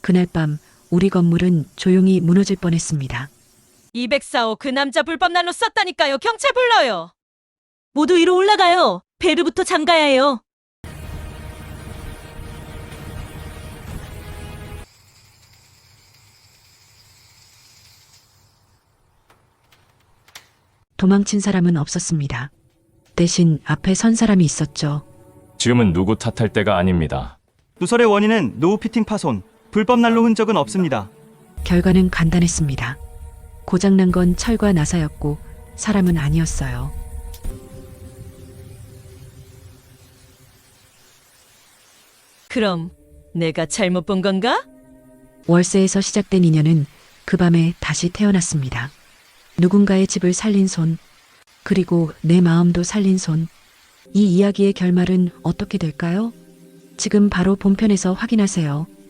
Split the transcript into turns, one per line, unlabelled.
그날 밤 우리 건물은 조용히 무너질 뻔했습니다.
204호 그 남자 불법 난로 썼다니까요. 경찰 불러요. 모두 위로 올라가요. 밸브부터 잠가야 해요.
도망친 사람은 없었습니다. 대신 앞에 선 사람이 있었죠.
지금은 누구 탓할 때가 아닙니다.
누설의 원인은 노후 피팅 파손, 불법 난로 흔적은 없습니다.
결과는 간단했습니다. 고장난 건 철과 나사였고 사람은 아니었어요.
그럼 내가 잘못 본 건가?
월세에서 시작된 인연은 그 밤에 다시 태어났습니다. 누군가의 집을 살린 손, 그리고 내 마음도 살린 손. 이 이야기의 결말은 어떻게 될까요? 지금 바로 본편에서 확인하세요.